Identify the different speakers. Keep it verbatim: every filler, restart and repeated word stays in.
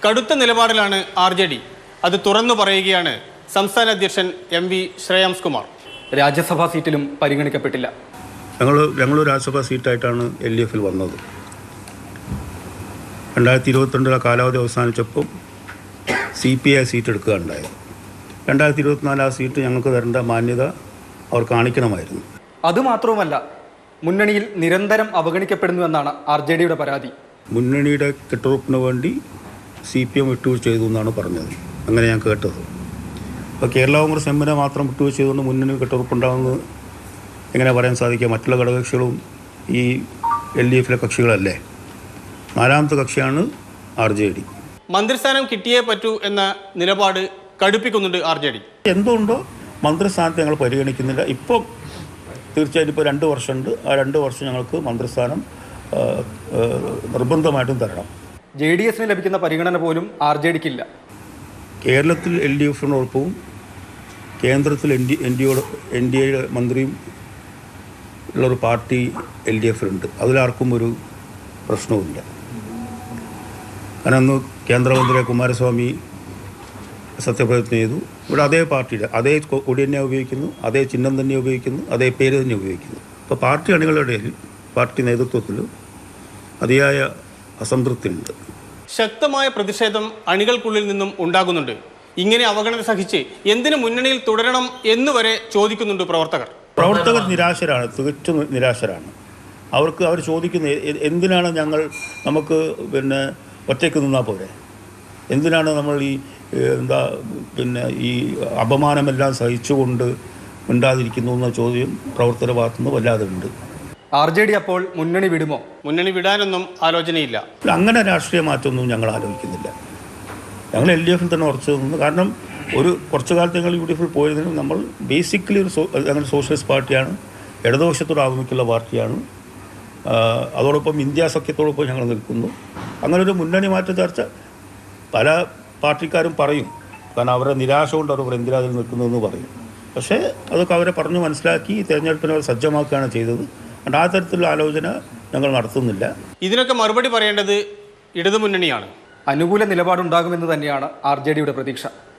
Speaker 1: കടുത്ത നിലപാടിലാണ് R J D. അത് തുറന്നു പറയുകയാണ് സംസ്ഥാന അധ്യക്ഷൻ എം വി ശ്രേയാംസ് കുമാർ.
Speaker 2: രാജ്യസഭാ സീറ്റിലും പരിഗണിക്കപ്പെട്ടില്ല.
Speaker 3: ഞങ്ങൾ ഞങ്ങൾ രാജ്യസഭാ സീറ്റായിട്ടാണ് എൽ ഡി എഫിൽ വന്നത്. രണ്ടായിരത്തി ഇരുപത്തിരണ്ടിലെ കാലാവധി അവസാനിച്ചപ്പോൾ സി പി ഐ സീറ്റ് എടുക്കുകയുണ്ടായത്. രണ്ടായിരത്തി ഇരുപത്തിനാല് ആ സീറ്റ് ഞങ്ങൾക്ക് തരേണ്ട മാന്യത അവർ കാണിക്കണമായിരുന്നു.
Speaker 2: അതുമാത്രവുമല്ല, മുന്നണിയിൽ നിരന്തരം അവഗണിക്കപ്പെടുന്നുവെന്നാണ് ആർ ജെ ഡിയുടെ പരാതി.
Speaker 3: മുന്നണിയുടെ കെട്ടുറപ്പിന് വേണ്ടി സി പി എം വിട്ടുവീഴ്ച ചെയ്തു എന്നാണ് പറഞ്ഞത്. അങ്ങനെ ഞാൻ കേട്ടത്. അപ്പോൾ കേരള കോൺഗ്രസ് എമ്മിനെ മാത്രം വിട്ടുവീഴ്ച ചെയ്തുകൊണ്ട് മുന്നണി കെട്ടുറപ്പുണ്ടാകുന്നത് എങ്ങനെ പറയാൻ സാധിക്കുക? മറ്റുള്ള ഘടകകക്ഷികളും ഈ എൽ ഡി എഫിലെ കക്ഷികളല്ലേ. നാലാമത്തെ കക്ഷിയാണ് ആർ ജെ ഡി.
Speaker 1: മന്ത്രിസ്ഥാനം കിട്ടിയേ പറ്റൂ എന്ന നിലപാട് കടുപ്പിക്കുന്നുണ്ട് ആർ ജെ ഡി.
Speaker 3: എന്തുകൊണ്ടോ മന്ത്രിസ്ഥാനത്ത് ഞങ്ങൾ പരിഗണിക്കുന്നില്ല. ഇപ്പം തീർച്ചയായിട്ടും ഇപ്പോൾ രണ്ട് വർഷമുണ്ട്. ആ രണ്ട് വർഷം ഞങ്ങൾക്ക് മന്ത്രിസ്ഥാനം നിർബന്ധമായിട്ടും തരണം.
Speaker 2: ജെ ഡി എസിന് ലഭിക്കുന്ന പരിഗണന പോലും ആർ ജെ ഡിക്കില്ല.
Speaker 3: കേരളത്തിൽ എൽ ഡി എഫിനോടൊപ്പവും കേന്ദ്രത്തിൽ എൻ ഡി എൻ ഡിയോട് എൻ ഡി എയുടെ മന്ത്രിയും ഉള്ളൊരു പാർട്ടി എൽ ഡി എഫിലുണ്ട്. അതിലാർക്കും ഒരു പ്രശ്നവുമില്ല. കാരണം അന്ന് കേന്ദ്രമന്ത്രി കുമാരസ്വാമി സത്യപ്രതിജ്ഞ ചെയ്തു. ഇവിടെ അതേ പാർട്ടിയുടെ അതേ കൊടി തന്നെ ഉപയോഗിക്കുന്നു, അതേ ചിഹ്നം തന്നെ ഉപയോഗിക്കുന്നു, അതേ പേര് തന്നെ ഉപയോഗിക്കുന്നു. അപ്പോൾ പാർട്ടി അണികളുടെ പാർട്ടി നേതൃത്വത്തിൽ അതിയായ അസംതൃപ്തിയുണ്ട്.
Speaker 1: ശക്തമായ പ്രതിഷേധം അണികൾക്കുള്ളിൽ നിന്നും ഉണ്ടാകുന്നുണ്ട്. ഇങ്ങനെ അവഗണന സഹിച്ച് എന്തിനു മുന്നണിയിൽ തുടരണം എന്നുവരെ ചോദിക്കുന്നുണ്ട് പ്രവർത്തകർ.
Speaker 3: പ്രവർത്തകർ നിരാശരാണ്, തികച്ചും നിരാശരാണ്. അവർക്ക് അവർ ചോദിക്കുന്നത് എന്തിനാണ് ഞങ്ങൾ നമുക്ക് പിന്നെ ഒറ്റയ്ക്ക് നിന്നാൽ പോരെ, എന്തിനാണ് നമ്മൾ ഈ എന്താ പിന്നെ ഈ അപമാനമെല്ലാം സഹിച്ചുകൊണ്ട് മിണ്ടാതിരിക്കുന്നു എന്ന ചോദ്യം പ്രവർത്തകരുടെ ഭാഗത്തുനിന്ന് വല്ലാതെ ഉണ്ട്.
Speaker 2: ആർ ജെ ഡി അപ്പോൾ മുന്നണി വിടുമോ?
Speaker 1: മുന്നണി വിടാനൊന്നും ആലോചനയില്ല.
Speaker 3: അങ്ങനെ രാഷ്ട്രീയ മാറ്റമൊന്നും ഞങ്ങൾ ആലോചിക്കുന്നില്ല. ഞങ്ങൾ എൽ ഡി എഫിൽ തന്നെ ഉറച്ചു നിന്നു. കാരണം ഒരു കുറച്ചു കാലത്ത് ഞങ്ങൾ യു ഡി എഫിൽ പോയതിനും നമ്മൾ ബേസിക്കലി ഒരു സോ ഞങ്ങൾ സോഷ്യലിസ്റ്റ് പാർട്ടിയാണ്, ഇടതുപക്ഷത്തോട് ആഭിമുഖ്യമുള്ള പാർട്ടിയാണ്. അതോടൊപ്പം ഇന്ത്യ സഖ്യത്തോടൊപ്പം ഞങ്ങൾ നിൽക്കുന്നു. അങ്ങനെ ഒരു മുന്നണി മാറ്റ ചർച്ച പല പാർട്ടിക്കാരും പറയും. കാരണം അവരുടെ നിരാശ കൊണ്ട് അവർ എന്തിനാ അതിൽ നിൽക്കുന്നതെന്ന് പറയും. പക്ഷേ അതൊക്കെ അവരെ പറഞ്ഞു മനസ്സിലാക്കി തിരഞ്ഞെടുപ്പിനെ അവർ സജ്ജമാക്കുകയാണ് ചെയ്തത്. അതുകൊണ്ട് ആ തരത്തിലുള്ള ആലോചന ഞങ്ങൾ നടത്തുന്നില്ല.
Speaker 1: ഇതിനൊക്കെ മറുപടി പറയേണ്ടത് ഇടതുമുന്നണിയാണ്.
Speaker 2: അനുകൂല നിലപാടുണ്ടാകുമെന്ന് തന്നെയാണ് ആർ ജെ ഡിയുടെ പ്രതീക്ഷ.